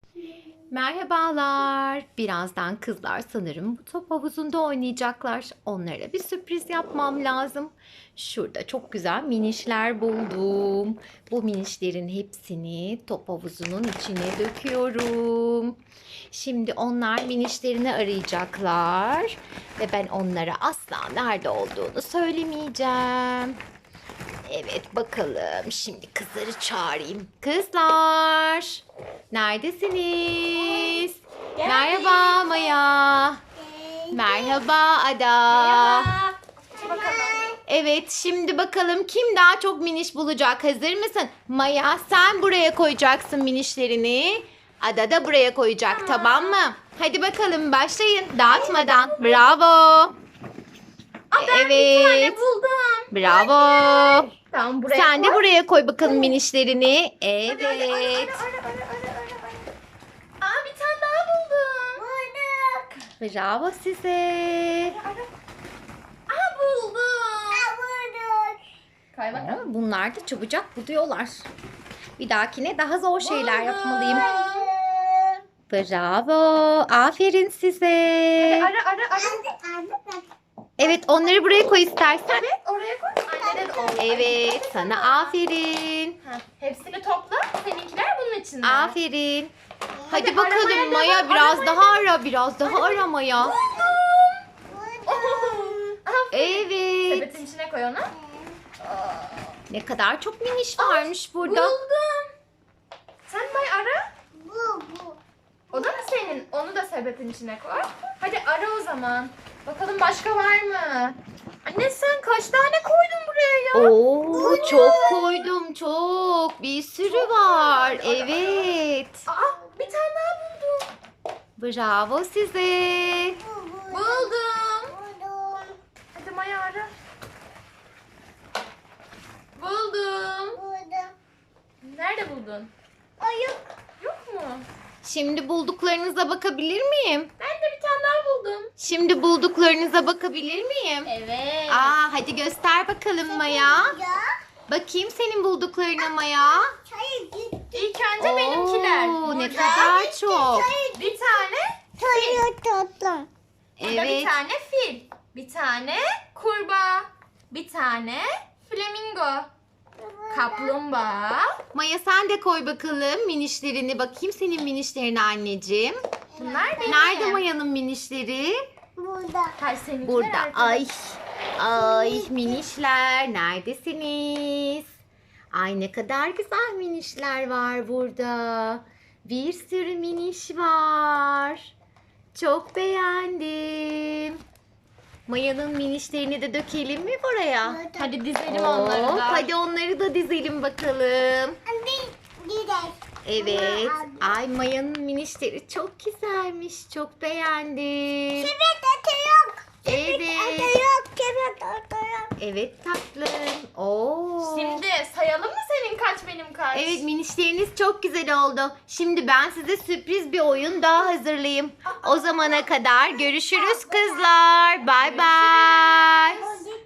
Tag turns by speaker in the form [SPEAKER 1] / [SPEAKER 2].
[SPEAKER 1] Merhabalar. Birazdan kızlar sanırım bu top havuzunda oynayacaklar. Onlara bir sürpriz yapmam lazım. Şurada çok güzel minişler buldum. Bu minişlerin hepsini top havuzunun içine döküyorum. Şimdi onlar minişlerini arayacaklar ve ben onlara asla nerede olduğunu söylemeyeceğim. Evet bakalım. Şimdi kızları çağırayım. Kızlar. Neredesiniz? Merhaba Maya. Merhaba Ada. Evet şimdi bakalım kim daha çok miniş bulacak. Hazır mısın? Maya sen buraya koyacaksın minişlerini. Ada da buraya koyacak, tamam mı? Hadi bakalım başlayın dağıtmadan. Bravo.
[SPEAKER 2] Bir tane
[SPEAKER 1] Evet.
[SPEAKER 2] buldum.
[SPEAKER 1] Bravo.
[SPEAKER 2] Tamam buraya
[SPEAKER 1] Sen de
[SPEAKER 2] koy.
[SPEAKER 1] buraya koy bakalım minişlerini. Evet.
[SPEAKER 2] Ara. Aa bir tane daha buldum. Bulduk.
[SPEAKER 1] Bravo size.
[SPEAKER 2] Aa buldum. Bulduk. Kay bakalım.
[SPEAKER 1] Bunlar da çabucak buluyorlar. Bir dahakine daha zor şeyler yapmalıyım. Bravo. Aferin size.
[SPEAKER 2] Ara.
[SPEAKER 1] Evet onları buraya koy istersen.
[SPEAKER 2] Evet oraya koy. Annene de olur.
[SPEAKER 1] Evet sana aferin.
[SPEAKER 2] Hepsini topla. Seninkiler bunun içinde.
[SPEAKER 1] Aferin. Hadi
[SPEAKER 2] aramaya
[SPEAKER 1] bakalım
[SPEAKER 2] devam,
[SPEAKER 1] Maya biraz
[SPEAKER 2] aramaya
[SPEAKER 1] daha ara. Biraz daha ara Maya.
[SPEAKER 2] Buldum.
[SPEAKER 1] Evet.
[SPEAKER 2] Sepetin içine koy onu.
[SPEAKER 1] Ne kadar çok miniş varmış burada.
[SPEAKER 2] Buldum. Sen bay ara. O da mı senin? Onu da sepetin içine koy. Hadi ara o zaman. Bakalım başka var mı? Anne sen kaç tane koydun buraya ya?
[SPEAKER 1] Oo, çok koydum çok. Bir sürü var. Evet.
[SPEAKER 2] Aa bir tane daha buldum.
[SPEAKER 1] Bravo size.
[SPEAKER 2] Buldum. Hadi Maya ara. Buldum. Nerede buldun? Yok mu?
[SPEAKER 1] Şimdi bulduklarınıza bakabilir miyim?
[SPEAKER 2] Ben de bir tane daha buldum.
[SPEAKER 1] Şimdi bulduklarınıza bakabilir miyim?
[SPEAKER 2] Evet.
[SPEAKER 1] Hadi göster bakalım Maya. Bakayım senin bulduklarına Maya.
[SPEAKER 2] İlk önce benimkiler.
[SPEAKER 1] Oo, ne
[SPEAKER 2] Burada
[SPEAKER 1] kadar çok.
[SPEAKER 2] Bir tane burada bir
[SPEAKER 1] Evet.
[SPEAKER 2] tane fil. Bir tane kurbağa. Bir tane flamingo. Kaplumbağa.
[SPEAKER 1] Maya sen de koy bakalım minişlerini. Bakayım senin minişlerine anneciğim.
[SPEAKER 2] Bunlar benim.
[SPEAKER 1] Nerede Maya'nın minişleri?
[SPEAKER 2] Hayır, seninkiler
[SPEAKER 1] Burada.
[SPEAKER 2] arkada.
[SPEAKER 1] Ay minişler neredesiniz? Ay ne kadar güzel minişler var burada. Bir sürü miniş var. Çok beğendim. Maya'nın minişlerini de dökelim mi buraya?
[SPEAKER 2] Hadi dizelim onları
[SPEAKER 1] Hop,
[SPEAKER 2] da.
[SPEAKER 1] hadi onları da dizelim bakalım. Evet. Ay Maya'nın minişleri çok güzelmiş. Çok beğendim. Evet. Evet tatlım. Oo.
[SPEAKER 2] Şimdi sayalım mı senin kaç benim kaç?
[SPEAKER 1] Evet minişleriniz çok güzel oldu. Şimdi ben size sürpriz bir oyun daha hazırlayayım. O zamana kadar görüşürüz kızlar. Bay bay.